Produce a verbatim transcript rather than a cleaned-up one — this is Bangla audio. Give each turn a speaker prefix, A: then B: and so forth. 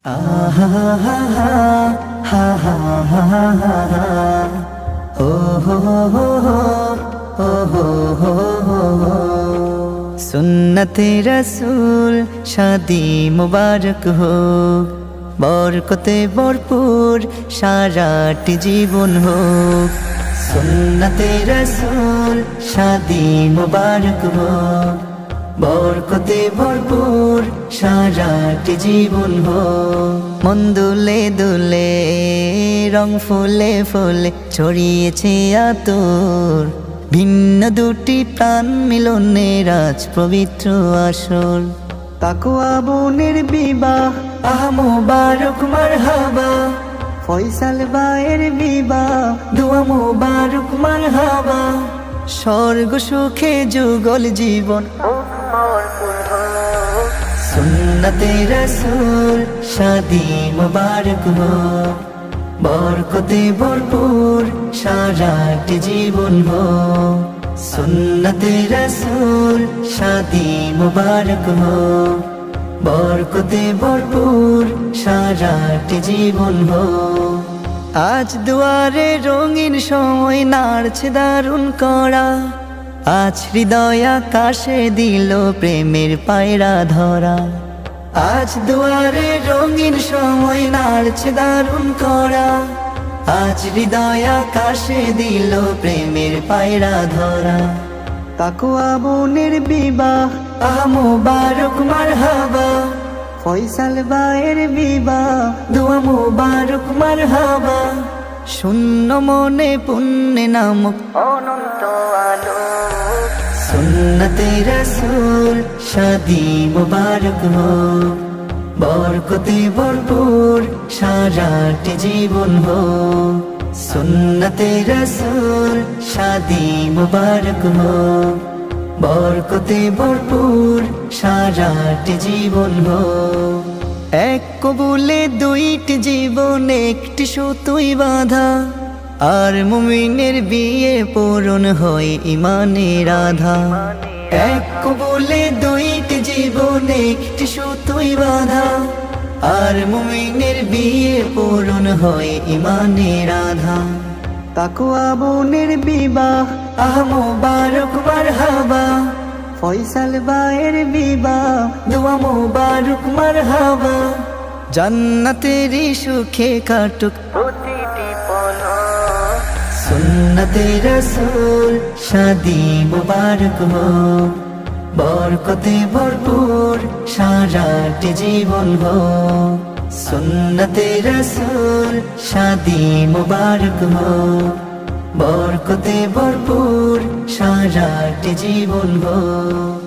A: আহা হা হা হা হা হা হা ও হো হো হো ও হো হো হো সুন্নতে রসূল শাদি মুবারক হো বরকতে ভরপুর সারাটি জীবন হোক সুন্নতে রসূল শাদি মুবারক হো বরকতে ভরপুর সারাটি জীবন হো মন দুলে দুলে রং ফুলে ফুলে ছড়িয়েছে আতর ভিন্ন দুটি প্রাণ মিলনে রাজ পবিত্র আসর তাকওয়া বোনের বিবাহ আহ মুবারক মারহাবা ফয়সাল ভাইয়ের বিবাহ দোয়া মুবারক মারহাবা স্বর্গ সুখে যুগল জীবন সুন্নতে রসূল শাদি মুবারক হো বরকতে ভরপুর সারাটি জীবন হো সুন্নতে রসূল শাদি মুবারক হো বরকতে ভরপুর সারাটি জীবন হো আজ দুয়ারে রঙিন সময় নাড়ছে দারুণ করা আজ হৃদয় আকাশে দিল প্রেমের পায়রা ধরা আজ দুয়ারে রঙিন সময় নাড়ছে দারুণ করা আজ হৃদয় আকাশে দিল প্রেমের পায়রা ধরা তাকওয়া বোনের বিবাহ আহ মুবারক মারহাবা ফয়সাল ভাইয়ের বিবাহ দোয়া মুবারক মারহাবা শূন্য মনে পুণ্যে নামক অনন্ত আলো সুন্নতে রসূল শাদি মুবারক হো বরকতে ভরপুর সারাটি জীবন হো সুন্নতে রসূল শাদি মুবারক হো বরকতে ভরপুর সারাটি জীবন হো এক কবুলে দুইটি জীবন একটি সুতোয় বাঁধা আর মুমিনের বিয়ে পূরণ হয় ইমানের আধা এক কবুলে দুইটি জীবন একটি সুতোয় বাঁধা আর মুমিনের বিয়ে পূরণ হয় ইমানের আধা তাকওয়া বোনের বিবাহ আহ মুবারক মারহাবা ফয়সাল ভাইয়ের বিবাহ দোয়া মুবারক মারহাবা জান্নাতেরই সুখে কাটুক প্রতিটি পল সুন্নতে রসূল শাদি মুবারক হো বরকতে ভরপুর সারাটি জীবন হো সুন্নতে রসূল শাদি মুবারক হো বরকতে ভরপুর সারাটি জীবন হো।